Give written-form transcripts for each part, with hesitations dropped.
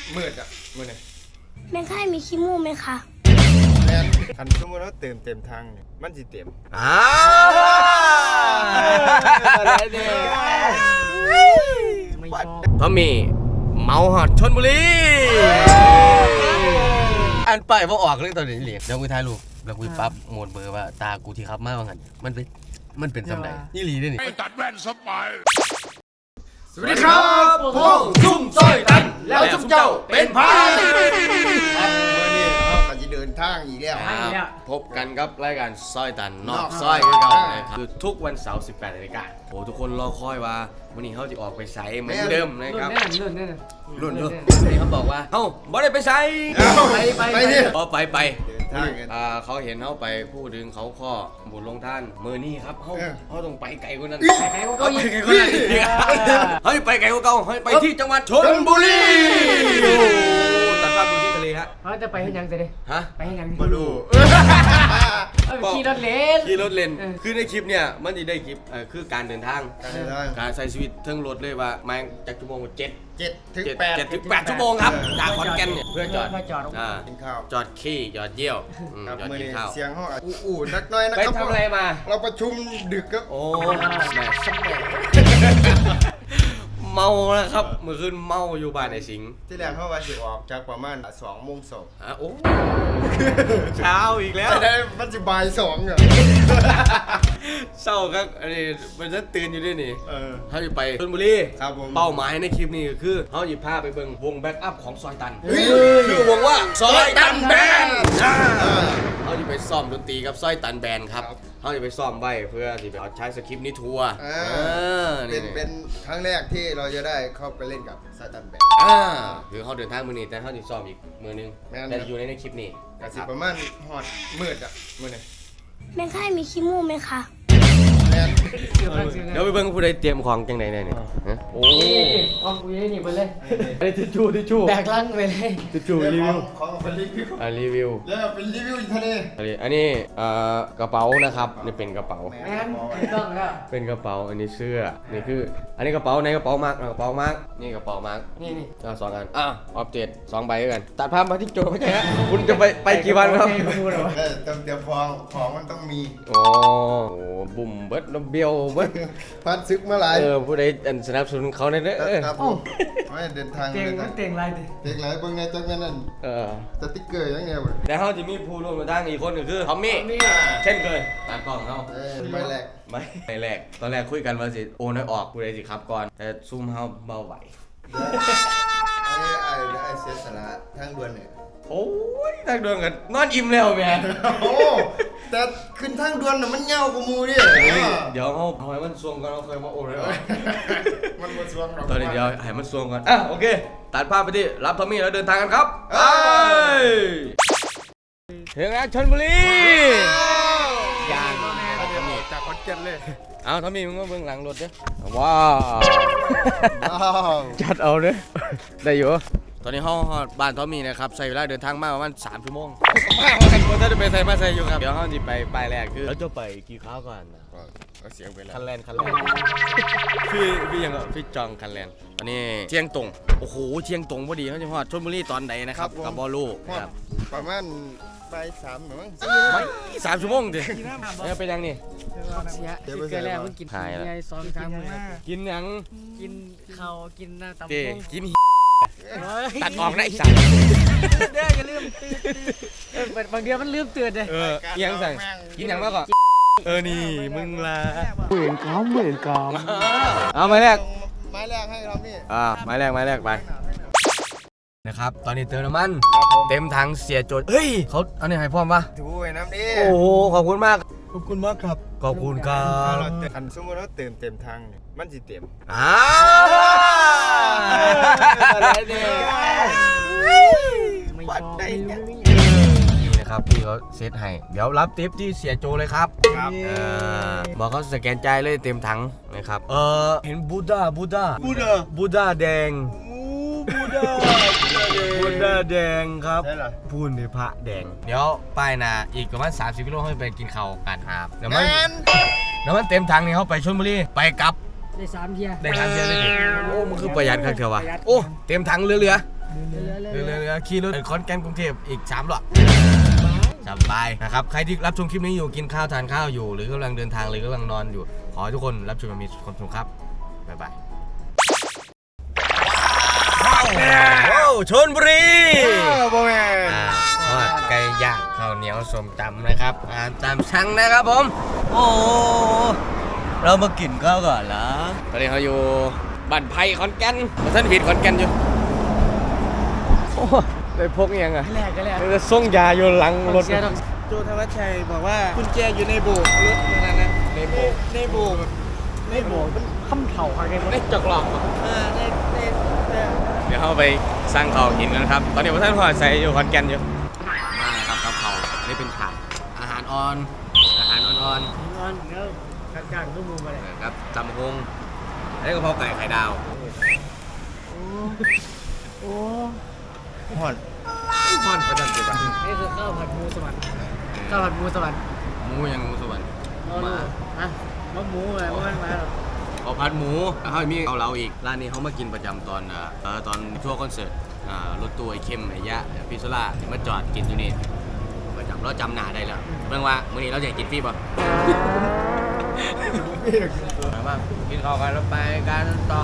มืดอ่ะมืดเลยในค่ายมีขี้มูกไหมคะแม่นคันสมมติว่าเต็มทางเนี่ยมันสิเต็มอะไรเนี่ยทอมมี่เมาหอดชลบุรีอันไปว่าออกเลยตอนนี้เหลียเดี๋ยวกูถ่ายรูปแล้วกูปั๊บโหมดเบอร์ว่าตากูที่ขับมาว่างั้นมันเป็นสำใดนี่หลีด้วยนี่ตัดแว่นสบายสวัสดีครับผมซุ่มซอยตันแล้วซุ่มเจ้าเป็นพายครับเมื่อนี้เราจะเดินทางอีกแล้วพบกันครับรายการซอยตันนอกซอยคือเก่านะครับคือทุกวันเสาร์ 18 นาฬิกาโอ้ทุกคนรอคอยว่าวันนี้เขาจะออกไปใส่เหมือนเดิมนะครับรุ่นนี่เขาบอกว่าเฮ้าบ่ได้ไปใส่ไปนี่ไปเขาเห็นเขาไปพูดถึงเขาข้อบุญลงท่านมือนี่ครับเขาต้องไปไกลกว่านั้นเขาไปไกลกว่านั้นเฮ้ยไปไกลกว่าเก่าเฮ้ยไปที่จังหวัดชลบุรีตัดภาพดูที่ทะเลฮะเขาจะไปให้ยังสิฮะไปให้ยังมาดูขี่รถเลนคือในคลิปเนี่ยมันจะได้คลิปคือการเดินทางการใช้ชีวิตเทิงรถเลยว่ามาจากชั่วโมง7 ถึง 8 ชั่วโมงครับจากขอนแก่นเนี่ยเพื่อจอดกินข้าวจอดขี้จอดเยี่ยวจอดกินข้าวเสียงห้องอู้นักน้อยนะครับไปทำอะไรมาเราประชุมดึกครับโอ้แม่สมองเมาแล้วครับเมื่อคืนเมาอยู่บ้านไอ้สิงห์ที่แรกเขาว่าจะออกจากประมาณ2 โมงโอ้เช้าอีกแล้วได้มันจะบ่าย2เหรอเศร้าครับอันนี้มันจะตื่นอยู่ด้วยนี่เขาจะไปชลบุรีครับผมเป้าหมายในคลิปนี้คือเขาจะพาไปเบิ่งวงแบ็กอัพของซอยตันชื่อวงว่าซอยตันแบนด์เขาจะไปซ้อมดนตรีกับซอยตันแบนด์ครับเขาจะไปซ้อมไว้เพื่อที่ไปใช้สคริปต์นี้ทัวร์เป็นครั้งแรกที่เราจะได้เข้าไปเล่นกับซอยตันแบนด์คือเขาเดินทางมือนี้แต่เขาจะซ้อมอีกมือนึงแต่อยู่ในคลิปนี้ประมาณหอดมืดอ่ะมืดเลยในค่ายมีขี้มูกไหมคะเดี๋ยวไปเบิ่งผู้ใดเตรียมของจังไหนเนี่ยโอ้ของกูยังหนีไปเลยไอ้ทิชชู่แบกลังไปเลยทิชชู่รีวิวของเป็นรีวิวรีวิวแล้วเป็นรีวิวทะเลอันนี้กระเป๋านะครับนี่เป็นกระเป๋าแม่นต้องแล้วเป็นกระเป๋าอันนี้เสื้อนี่คืออันนี้กระเป๋าในกระเป๋ามาร์กกระเป๋ามาร์กนี่กระเป๋ามาร์กนี่ 2 อันออฟเจต2 ใบกันตัดภาพมาที่โจไม่ใช่ฮะคุณจะไปกี่วันครับเดี๋ยวของมันต้องมีโอ้บุ่มเบิดเบี้ยวเบิดพัดซึกมาหลายผู้ใดสนับสนุนเขาในเด้อครับไม่เดินทางเตียงไรดิเตียงไรเบิ่งในจักแม่นั่นสติ๊กเกอร์ยังไงวะแต่เขาจะมีผู้ร่วมทางอีกคนนึงคือทอมมี่เช่นเคยตามกล้องเขาไม่แรกตอนแรกคุยกันว่าสิโอนให้ออกผู้ใดสิครับก่อนแต่ซุ่มเฮาเบาไหวไอ้เสียสละทางด่วนเนี่ยโอ้ยทางด่วนกันนอนอิ่มแล้วแม่โอ้แต่ขึ้นทางด่วนน่ะมันเงากว่ามูดิเดี๋ยวเอาให้มันซวงก่อนเราเคยมาโอนเลยมันมาซวงเราตอนนี้เดี๋ยวให้มันซวงก่อนโอเคตัดภาพไปที่รับทอมมี่แล้วเดินทางกันครับถึงแล้วชลบุรีอย่างจากขอนแก่นเลยเอาทอมมี่มึงก็เบื้องหลังรถเด้อว้าวจัดเอาเด้อได้อยู่ตอนนี้ห้องบ้านทอมมี่นะครับใช้เวลาเดินทางมากประมาณ3 ชั่วโมงถ้าจะไปใส่มาใส่อยู่ครับเดี๋ยวห้องจะไปปลายแรกคือแล้วจะไปกี่ข้าวก่อนก็เสียงไปแล้วคันแลนพี่ยังพี่จองคันแลนตอนนี้เชียงตรงโอ้โหเชียงตรงพอดีเขาจะฮอดชลบุรีตอนไหนนะครับกับบอลลูครับประมาณบ่าย3มั้งไม่3 ชั่วโมงดิเป็นยังนี่เสียคือเกลือแล้วเพิ่งกินไง2 3 มื้อกินยังกินข้าวกินน้ำตำกุ้งกินตัดออกได้สัตว์เด้ออย่าลืมตื่นบางเดือนมันลืมตื่นเลยยังสั่งกินยังมากก่อนนี่มึงละเหมือนกอมเอาไม้แรกให้เรานี่ไม้แรกไปนะครับตอนนี้เติมน้ำมันเต็มถังเสียโจทย์เฮ้ยเขาอันนี้ให้พร้อมปะถูไอ้น้ำดิโอ้โหขอบคุณมากครับขอบคุณครับคันสมมติว่าเต็มทางเนี่ยมันสิเต็มอะไรเนี่ยวัดได้เนี่ยนี่นะครับพี่เขาเซตให้เดี๋ยวรับทิปที่เสียโจเลยครับบอกเขาสแกนใจเลยเต็มถังนะครับเห็นบูดาแดงบูดาแดงครับพูนในพระแดงเดี๋ยวป้ายนาอีกประมาณ30 กิโลให้ไปกินข้าวกันครับเดี๋ยวมันเต็มถังนี่เขาไปชลบุรีไปกลับได้3 เที่ยเลยดิโอ้มันคือประหยัดครับเถอะวะโอ้เต็มถังเหลือเรือขี่รถขอนแก่นกรุงเทพอีก3 รอบสบายนะครับใครที่รับชมคลิปนี้อยู่กินข้าวทานข้าวอยู่หรือกำลังเดินทางหรือกำลังนอนอยู่ขอให้ทุกคนรับชมมีความสุขครับบ๊ายบายว้าวชลบุรีโบแมนทอดไก่ย่างข้าวเหนียวส้มตำนะครับตามสั่งนะครับผมโอ้เรามากินข้าวก่อนเหรอตอนนี้เขาอยู่บ้านไผ่ขอนแก่นท่านผิดขอนแก่นอยู่โอ้ไปพกยังไงแรกก็แรกจะส่งยาอยู่หลังรถโจธวัชชัยบอกว่ากุญแจอยู่ในโบกรถนั่นนะในโบกในโบกในโบกมันคำเถ่าอะไรกันในจอกหลอกในเดี๋ยวเขาไปสร้างเขาวกินกันครับตอนนี้ท่านพอใส่อยู่ขอนแก่นอยู่มาครับกับเขาอันนี้เป็นถาดอาหารอ่อนอาหารอ่อนนอนแล้วกลางๆก็มูมาเลยๆนะครับตำฮงอันนี้กะเพราไก่ไข่ดาวโอ้หอนม่อนประจันจิบะนี่คือข้าวผัดหมูสวรรค์ข้าวผัดหมูสวรรค์หมูยังหมูสวรรค์มาว่าหมูอะไรว่ามันมาหรอเอาผัดหมูเขามีเอาเราอีกร้านนี้เขามากินประจำตอนทัวร์คอนเสิร์ตรถตู้ไอ้เข้มไอ้ยะพิซซ่าที่มาจอดกินอยู่นี่ประจำเราจำหน้าได้แล้วเรื่องว่ามื้อนี้เราจะกินฟรีป่ะมากินข้าวกันแล้วไปกันต่อ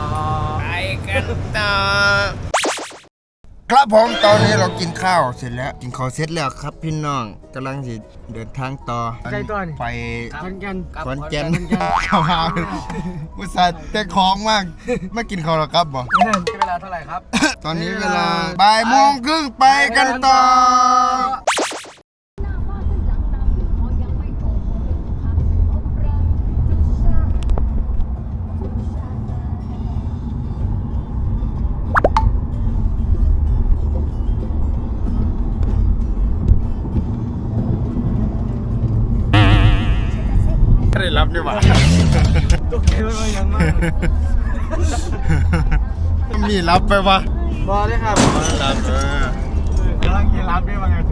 ครับผมตอนนี้เรากินข้าวเสร็จแล้วกินข้าวเสร็จแล้วครับพี่น้องกำลังจะเดินทางต่อไปขอนแก่นขอนแก่นข้าวหาอุตส่าห์แต่ของมากไม่กินข้าวหรอครับบ่เวลาเท่าไหร่ครับตอนนี้เวลา13:30ไปกันต่อ ได้รับด้วยวะตกใจมันยังมากมีรับไปวะบอเลยครับรับกำลังกินรับด้วยมั้ง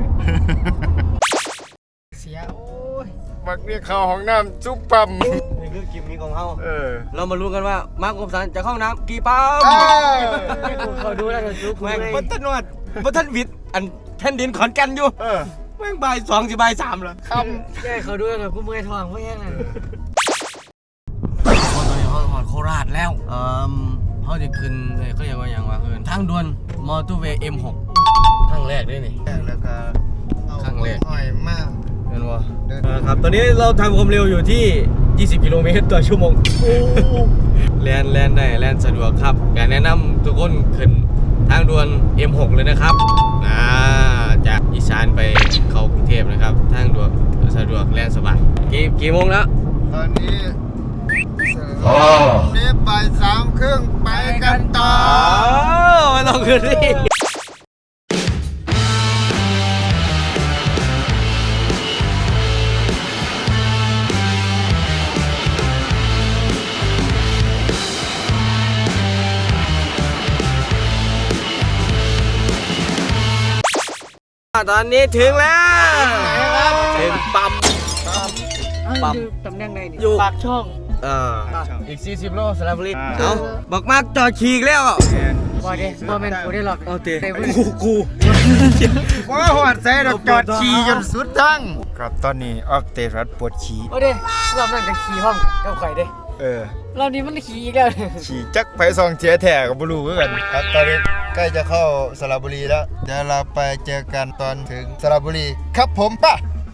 เสียโอ้ยมักเรียกเข้าห้องน้ำจุ๊บปั๊มนี่คือกิมมิคของเขาอเรามารู้กันว่ามาร์คคมสันจะเข้าห้องน้ำกี่ปั๊มเขาดูแล้วก็จุ๊บแม่งบัตนวดบัตันวิทย์อันแผ่นดินขอนแก่นอยู่แม่งบ่าย2 สิบ่าย3เหรอแก้เขาดูแล้วก็กูเมื่อยท้องเพราะแห้งเลยตอนนี้เขาหอดโคราชแล้วเขาจะขึ้นเขาเรียกว่าอย่างว่าคือทางด่วนมอเตอร์เวย์ M6 ทางแรกด้วยนี่แล้วก็เอาครั้งแรกหอยมากเห็นว่าครับตอนนี้เราทำความเร็วอยู่ที่ 20 กิโลเมตรต่อชั่วโมงแล่นได้แล่นสะดวกครับอยากแนะนำทุกคนขึ้นทางด่วน M6 เลยนะครับจากอีสานไปเข้ากรุงเทพนะครับทางด่วนสะดวกแล่นสบายกี่โมงแล้วตอนนี้บ่าย3:30ไปกันต่อไม่ต้องขึ้นดิตอนนี้ถึงแล้วถึงปั๊มตำแหน่งไหนอยู่ปากช่องอีก40 โลสระบุรีเอาบอกมากจอดขี่อีกแล้วบอเด้บอแมนกูได้หรอกเอาเตะกูว่าหอดใส่ดอกจอดขี่จนสุดทั้งครับตอนนี้ออฟเตรัสปวดขี่โอ้เด้รอบนั้นจะขี่ห้องกับไข่เด้ รอบนี้มันขี่อีกแล้วขี่จักไปซองเจียแถ่กับบลูคือกันครับตอนนี้ใกล้จะเข้าสระบุรีแล้วเดี๋ยวเราไปเจอกันตอนถึงสระบุรีครับผมป่ะ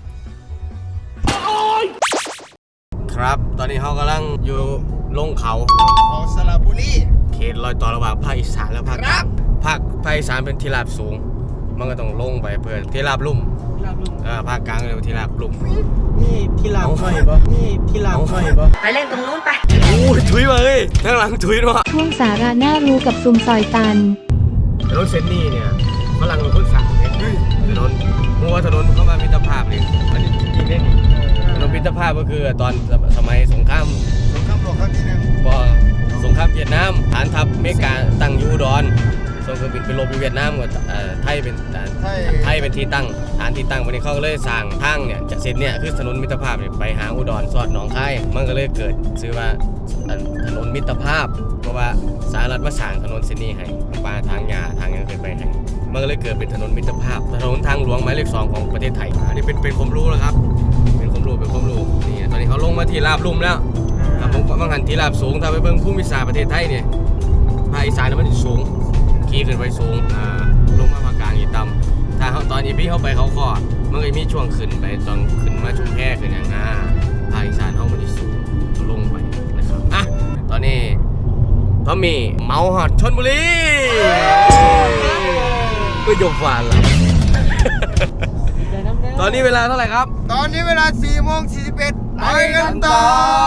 ครับตอนนี้เขากำลังอยู่ลงเขาเอาสระบุรีเขตรอยต่อระหว่างภาคอีสานและภาคกลางภาคอีสานเป็นที่ราบสูง มันก็ต้องลงไปเพื่อที่ราบลุ่มภาคกลางเป็นที่ราบลุ่มนี่ที่ลาวหน่อยบ่นี่ที่ลาวหน่อยบ่ไปเล่นตรงนู้นไปโอ้ยถุยมาเลยข้างหลังถุยด้วยช่วงสาระน่ารู้กับซุมซอยตันถนนเซนนี่เนี่ยฝรั่งเป็นคนสั่งเนี่ยถนนมัวถนนเข้ามามิตรภาพเลยมันจริงๆเนี่ยถนนมิตรภาพก็คือตอนสมัยสงครามสงครามโลกครั้งที่ 1 พอสงครามเวียดนามฐานทัพอเมริกาตั้งอยู่อุดรสงเครื่องบินไปลบอยู่เวียดนามกับไทยเป็นไทยเป็นที่ตั้งฐานที่ตั้งวันนี้เขาก็เลยสร้างทางเนี่ยจากเส้นเนี่ยคือถนนมิตรภาพไปหาอุดรสอดหนองคายมันก็เลยเกิดชื่อว่าถนนมิตรภาพเพราะว่าสหรัฐมาสร้างถนนเส้นนี้ให้ปลาทางหญ้าทางยังขึ้นไปให้มันก็เลยเกิดเป็นถนนมิตรภาพถนนทางหลวงหมายเลข 2ของประเทศไทยอันนี้เป็นความรู้แล้วครับเป็นความรู้นี่ตอนนี้เขาลงมาที่ราบลุ่มแล้วครับผมบางหันที่ราบสูงถ้าไปเบิ่งภูมิศาสตร์ประเทศไทยเนี่ยภาคอีสานมันสูงขี่ขึ้นไปสูงลงมาภาคกลางอีต่ำถ้าเขาตอนนี้พี่เข้าไปเขาก็มันก็มีช่วงขึ้นไปตอนขึ้นมาชุมแพขึ้นอย่างภาคอีสานเขามันสูงลงไปนะครับอ่ะตอนนี้พอมีเมาหอดชลบุรีก็ยกฟานละตอนนี้เวลาเท่าไหร่ครับตอนนี้เวลา4:41ไปกันต่อ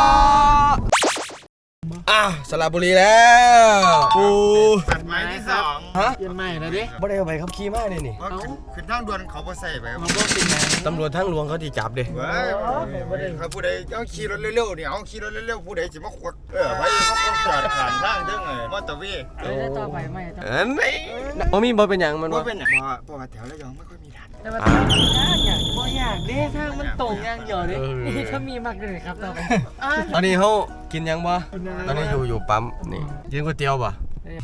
สระบุรีแล้วตัดไม้ที่2 ฮะเปลี่ยนใหม่แล้วดิบ่ได้เอาไปขับขี่มาเลยนี่ขึ้นทางด่วนเขาบ่ใส่ไปมันก็เป็นไงตำรวจทางหลวงเขาที่จับเด้เว้ยเขาผู้ใดเอาขี่รถเร็วๆเนี่ยเอาขี่รถเร็วๆผู้ใดสิมาขวักไว้เขาก็จอดผ่านทางเด้งมอเตอร์เวย์แล้วต่อไปไม่ต่อบ่มีบ่เป็นหยังมันบ่ว่าเป็นเพราะว่าแถวระยองไม่ค่อยมีด่านแต่มันต้องยากบ่อยากเด้ทางมันตรงอย่างเดียวเด้นี่ถ้ามีมากเลยครับต่อไปตอนนี้เขากินยังบ่ตอนนี้อยู่ปั๊มนี่กินก๋วยเตี๋ยวบ่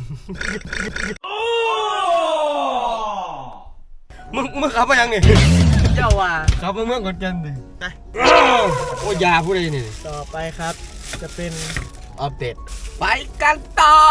มึงขับมายังนี่เจ้าว่าขับมาเมืองขอนแก่นดิไปโอ้ยาผู้ใดนี่ต่อไปครับจะเป็นอัปเดตไปกันต่อ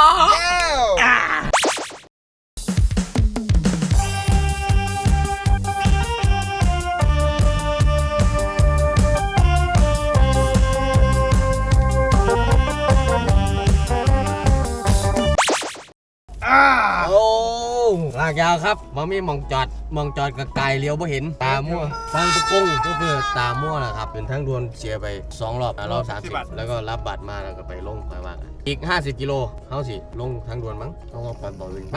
โอ้ลากยาวครับบ่มีมองจอดกับไกลเลี้ยวบ่เห็นตามั่วฟังตะกงก็คือตามั่วแหละครับเป็นทั้งดวนเสียไป2รอบรอบ30แล้วก็รับบัตรมาแล้วก็ไปลงไปว่ากันอีก50กิโลเฮาสิลงทางด่วนมั้งต้องเอาไปต่อวิน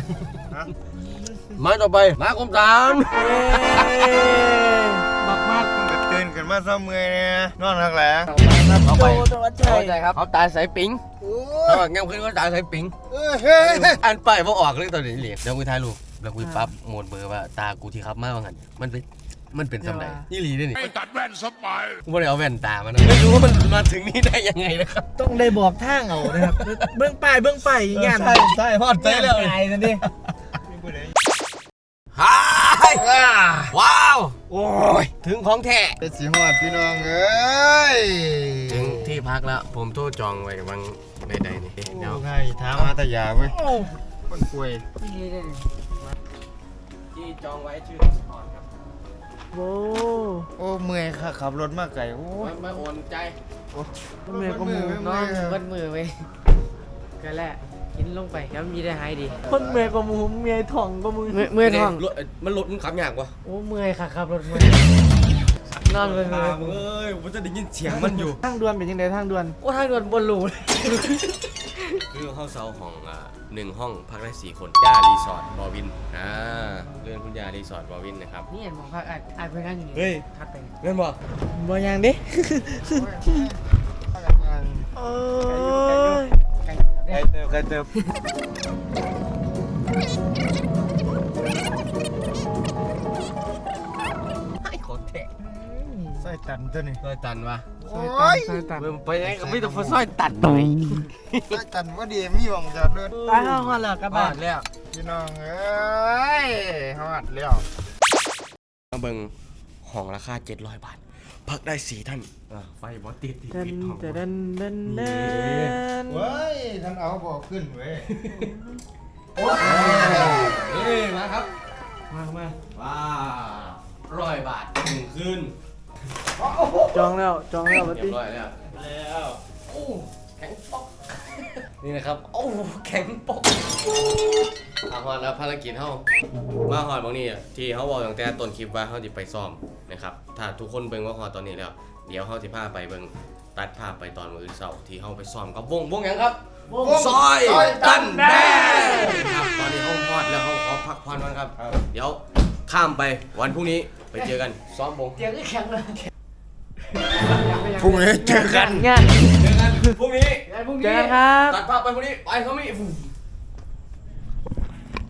มาต่อไปมากรมฐานมากมันก็ตื่นขึ้นมาซ้ำเมื่อยเนี่ยนอนทักแหลงเอาไปตัวใจเข้าใจครับเขาตายสายปิงเขาบอกงั้นขึ้นก็ตายสายปิงเฮ้ยอันไปบ่ออกเลยตอนนี้เหลียเดี๋ยวกูถ่ายรูปแล้วกูปั๊บโหมดเบอร์ว่าตากูที่ขับมาว่างั้นมันเป็นสำใดนี่หลีด้วยนี่ตัดแว่นสบายกูไม่ได้เอาแว่นตามันนะไม่รู้ว่ามันมาถึงนี่ได้ยังไงนะครับต้องได้บอกทางเอานะครับเบื้องป้ายอย่างเงี้ยใช่พอดใจแล้วไกลนั่นดิฮ่าว้าวโอ้ยถึงของแท้เป็นสีหอดพี่น้องเอ้ยถึงที่พักแล้วผมโทรจองไว้วังใดๆนี่เดี๋ยวใครถามมาตยาเว้ยคนป่วยที่จองไว้ชื่อสปอร์ตครับโอ้โอ้เมื่อยค่ะขับรถมาไกลโอ้ยไม่โอนใจมือก็มือน้องวัดมือไปก็แหละกินลงไปแล้วมีได้หายดีคนเมื่อยก็มือเมื่อยท้องก็มือเมื่อยท้องมันรถมันขับยากวะโอ้เมื่อยค่ะครับรถเมื่อยนอนเลยเอ้ยผมจะได้ยินเสียงมันอยู่ทางด่วนเป็นยังไงทางด่วนโอ้ทางด่วนบนหลูคือห้องเซาของ1ห้องพักได้4คนย่ารีสอร์ทบอวินเรื่องคุณย่ารีสอร์ทบอวินนะครับนี่เห็นมองพักอาจเป็นกันอยู่เฮ้ยทัดไปเงินบ่บ่ยังดิโอ้ยใครเติบให้ขอแทะใส่ตันตัวนี้ซอยตันวะโอ้ยไปไหนก็ไม่ต้องซอยตันไปใส่ตันว่าดีมีหวังจอดด้วยไปห้องกันเหรอกลับบ้านแล้วพี่น้องเอ้ยหอดแล้วมาเบิ่งห้องราคา700 บาท พักได้4ท่านไฟบอติดเดินจะเดินเว้ยท่านเอาบอกขึ้นเว้ยมาครับมาว้า100 บาท1คืนจองแล้ววันเรียที่บร้อยแล้วโอ้แข็งปอกนี่นะครับโอ้แข็งปอกมาฮอดแล้วภารกิจเฮามาฮอดบางนี้ที่เฮาบอกตั้งแต่ต้นคลิปว่าเฮาสิไปซ้อมนะครับถ้าทุกคนเบิ่งว่าฮอดตอนนี้แล้วเดี๋ยวเฮาสิพาไปเบิ่งตัดภาพไปตอนมื้อเช้าที่เฮาไปซ้อมกับวงหยังครับซอยตันแดงครับตอนนี้เฮาฮอดแล้วเฮาขอพักผ่อนก่อนครับเดี๋ยวข้ามไปวันพรุ่งนี้ไปเจอกันซ้อมวงเตียงก็แข็งเลยพรุ่งนี้เจอกันงานเจอกันพรุ่งนี้เจอกันครับตัดภาพไปพรุ่งนี้ไปเขามี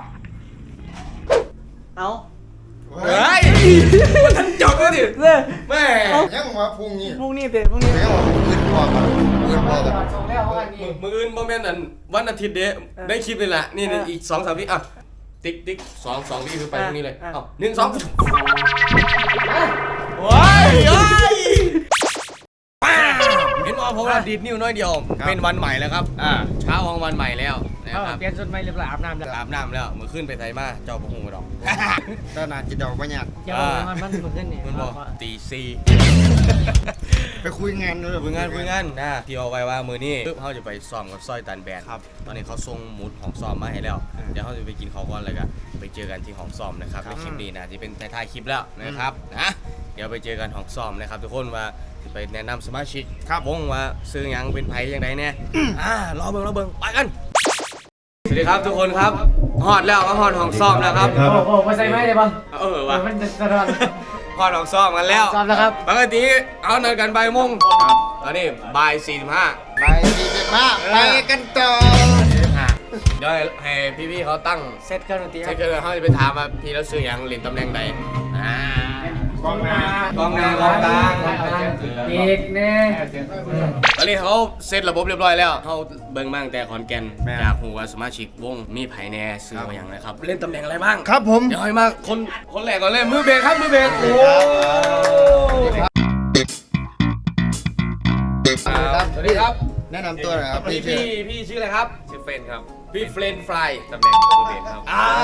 เอาเฮ้ยมันทันจบแล้วดิเด้อแม่ยังมาพรุ่งนี้พรุ่งนี้เตะพรุ่งนี้ยังมาอื่นพอกันอื่นพอกันส่งแล้วเมื่อวานนี้มืออื่นโมเมนต์อันวันอาทิตย์เด้ได้คลิปเลยแหละนี่อีก2-3 วิอ่ะติ๊ก2วิคือไปพรุ่งนี้เลยเอ้า1 2ว้ายเห็นว่าผมดีดนิ้วน้อยเดียวเป็นวันใหม่แล้วครับเช้าของวันใหม่แล้วนะครับเปลี่ยนชุดใหม่เรียบร้อยอาบน้ำแล้วอาบน้ำแล้วมือขึ้นไปไทยมาเจ้าประหงกระดอกตอนนั้นจะดอกว่าอยากอย่าบอกมันขึ้นนี่มันบอกตีซีไปคุยงานด้วยคุยงานนะที่เอาไว้ว่ามือนี้ปึ๊บเขาจะไปซ้อมกับซอยตันแบนครับตอนนี้เขาส่งหมุดของซ้อมมาให้แล้วเดี๋ยวเขาจะไปกินข้าวก่อนเลยกันไปเจอกันที่ห้องซ้อมนะครับในคลิปนี้นะที่เป็นท้ายคลิปแล้วนะครับนะเดี๋ยวไปเจอกันห้องซ้อมนะครับทุกคนว่าจะไปแนะนำสมาชิกวงว่าซื้อหยังเป็นไผยังไงเนี่ยรอเบิ่งไปกันสวัสดีครับทุกคนครับฮอดแล้วก็ฮอดห้องซ้อมแล้วครับโอ้มาใส่ไม้เลยป่ะว่ะมันจะรอนฮอดห้องซ้อมกันแล้วซ้อมแล้วครับปกติเอานัดกันบ่ายโมงตอนนี้บ่าย45 ไปดีเจ็บมากไปกันต่อเดี๋ยวให้พี่ๆเขาตั้งเซตเครื่องดนตรีใช่เกินเขาจะไปถามว่าพี่แล้วซื้อหยังเล่นตำแหน่งใดกองหน้ากองกลางอีกแน่ตอนนี้เขาเซตระบบเรียบร้อยแล้วเขาเบิ่งบ้างแต่ขอนแก่นอยากรู้ว่าสมาชิกวงมีไผแน่ซื้อมาอย่างไรครับเล่นตำแหน่งอะไรบ้างครับผมเดี๋ยวให้มาคนแรกก่อนเลยมือเบรกครับมือเบรกโอ้สวัสดีครับแนะนำตัวหน่อยครับพี่ชื่ออะไรครับชื่อเฟรนครับพี่เฟรนฟรายตำแหน่งมือเบสครับ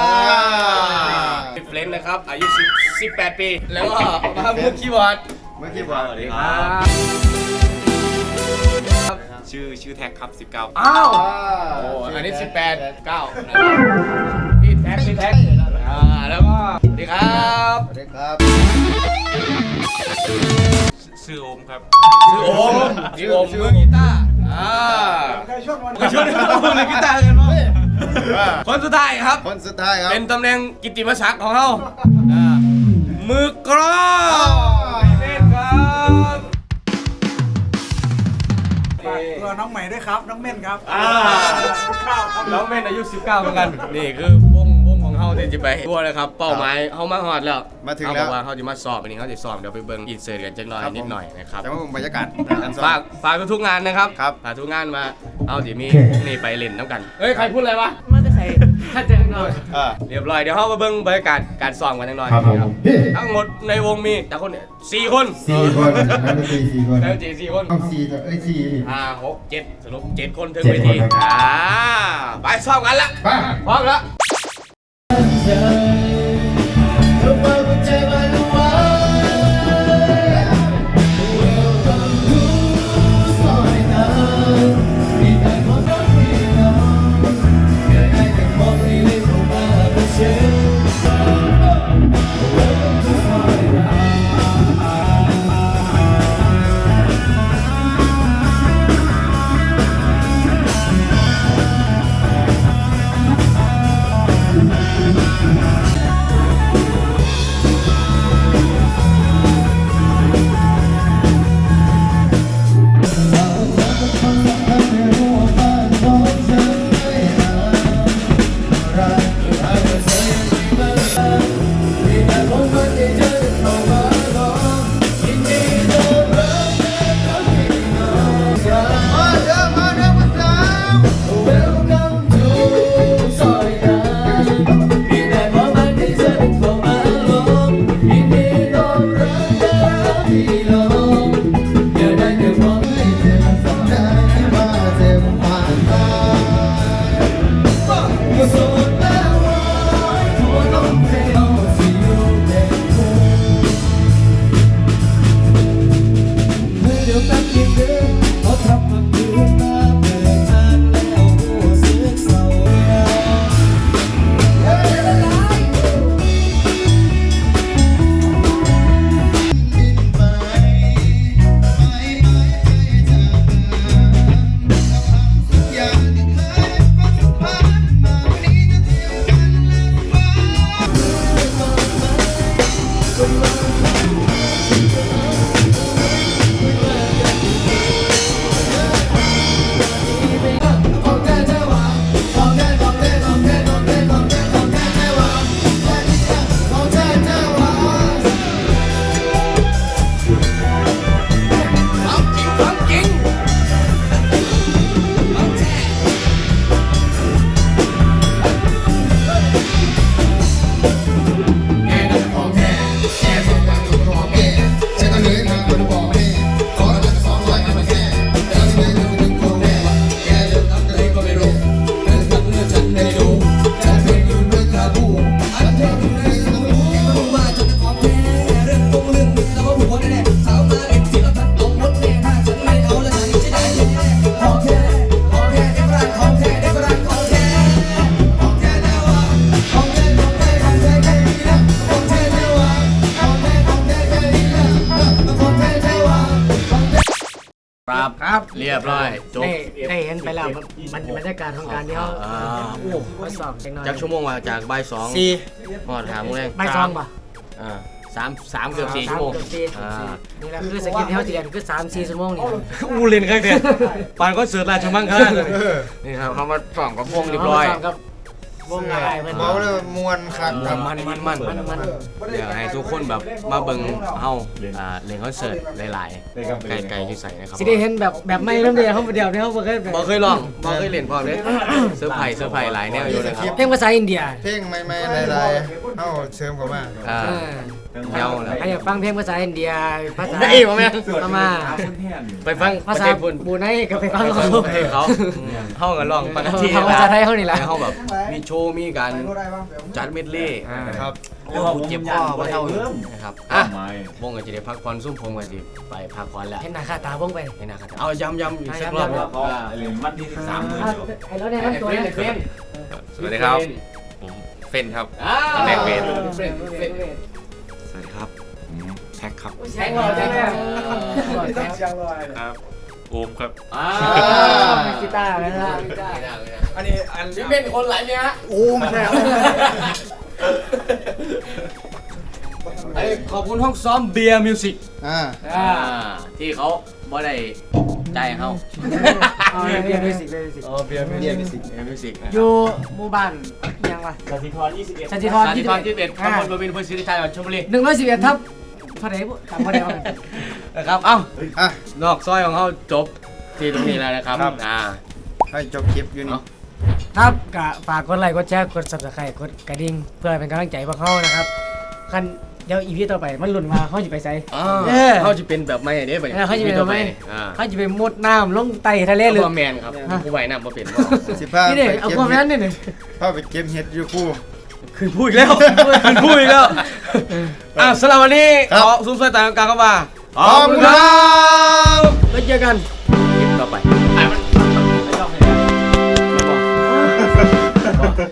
พี่เฟรนนะครับอายุ18 ปีแล้วก็มามือคีย์บอร์ดเมื่อกี้บอกสวัสดีครับ ชื่อแท็กครับ 19 อ้าวโอ้อันนี้18 9นะครับพี่แท็กแล้วก็สวัสดีครับสวัสดีครับชื่อโอมครับชื่อโอมมือกีตาร์เคยช่วยมือกีตาร์กันมั้ยคนสุดท้ายครับคนสุดท้ายครับเป็นตำแหน่งกิตติมศักดิ์ของเขามือกรองเล่นครับตัวน้องใหม่ด้วยครับ น้องเม่นครับน้องเม่นอายุ19เหมือนกันนี่คือวงของเขาที่จะไปทั่วเลยครับเป้าหมายเขามาฮอดแล้วมาถึงเขาแล้บวอกว่าเขาจะมาสอบวันนี้เขาจะสอบเดี๋ยวไปเบิ่งอินเสิร์ตกันจังหน่อยนิดหน่อยนะครับแต่ว่าบรรยากาศฝากทุกงานนะครับครับฝากทุกงานมาเอาเดี๋ยวมีนี่ไปเล่นน้ำกันเฮ้ยใครพูดอะไรวะมันจะใส่ถ้าเจอหน่อยเรียบร้อยเดี๋ยวเขามาเบิ่งบรรยากาศการซ้อมกันจังหน่อยครับทั้งหมดในวงมีแต่คนเนี่ย4 คน 4 คนนักดนตรี4 คนแล้วจี4 คนต้อง4ต่อ4 5 6 7สรุป7 คนถึง 7 เวทีคนครับไปซ้อมกันละไปพร้อมแล้วเเรียบร้อยจบได้เห็นไปแล้วมันบรรยากาศของการที่เขาโอ้เขาสอบจังหน่อยจากชั่วโมงว่าจากบ่าย2 4 หอดหาโมงแรงไม่ซองป่ะ 3เกือบ4ชั่วโมงนี่แหละคือสกิปที่เขาจะเรียนคือ3-4 ชั่วโมงนี่อูเล่นครับเนี่ยปานก็เสิร์ฟราชมังคลานี่ครับเขามาส่องกับวงเรียบร้อยกับวงอะไรเพื่อนบอกเลยมวนคักครับมันเดี๋ยวให้ทุกคนแบบมาเบิ่งเฮาเล่นคอนเสิร์ตหลายๆไกลๆที่ใส่นะครับสิได้เห็นแบบไม่เริ่มเดียวเขาเดียวเขาบ่เคยบ่เคยลองบ่เคยเล่นพร้อมเลยเซอร์ไพรส์หลายแนวอยู่นะครับเพลงภาษาอินเดียเพลงใหม่ๆหลายๆเอ้าเสริมเข้ามาเยาแล้วใครอยากฟังเพลงภาษาอินเดียภาษาได้บ่แม่มาไปฟังภาษาพุ่นบูไนก็ไปฟังเขาเขาเพลงเขาเฮาก็ลองปกติภาษาไทยเขานี่แหละเฮาแบบมีโชว์มีการจัดเมดเล่ครับโอ้เจ็บคอบ่เท่าอยู่นะครับวงก็จะได้พักผ่อนซุ่มผมก็สิไปพักผ่อนแล้วเห็นหน้าค่าตาวงไปให้นะครับเอาย้ำอีกสักรอบครับวันที่ 13 ไอ้รถเนี่ยมันตัวนี้สวัสดีครับ ผมเฟนครับ แม็กเวท สวัสดีครับผมแท็กครับแข็งหล่อจังเลยครับ โอมครับกีตาร์นะฮะอันนี้พี่เป็นคนหลายเนี่ยฮะโอ้ไม่ใช่อันนี้ขอบคุณห้องซ้อมเบียร์มิวสิก ที่เขาบ่ได้ใจเฮาเบียร์มิวสิกเบียร์มิวสิกอยู่หมู่บ้านยังวะสันติธรสาธิตพร21ตำบลบวินอำเภอศรีราชาจังหวัดชลบุรี 111ทับเท่าไหร่บุจำบ่ได้ว่านะครับเอ้านอกซอยของเขาจบที่ตรงนี้แล้วนะครับให้จบคลิปอยู่นี่ครับก็ฝากกดไลค์กดแชร์กด Subscribe กดกระดิ่งเพื่อเป็นกำลังใจพวกเขานะครับคันเดี๋ยวอีพีต่อไปมันหล่นมาเขาจะไปใส่เขาจะเป็นแบบไม่เนี่ยเขาจะเป็นแบบไม่เขาจะไปมุดน้ำลงไตทะเลหรือแมนครับผู้ใบน้ำมาเป็นสิพานี่ไปเด็กเอาเก็บความเห็นั้ดนนี่พาไปเก็บเห็ดอยู่คู่คืนพูดอีกแล้วคืนพูดอีกแล้วสำหรับวันนี้ขอซุ้มซอยต่างกันครับว่าขอบคุณครับแล้วเจอกันคลิปต่อไป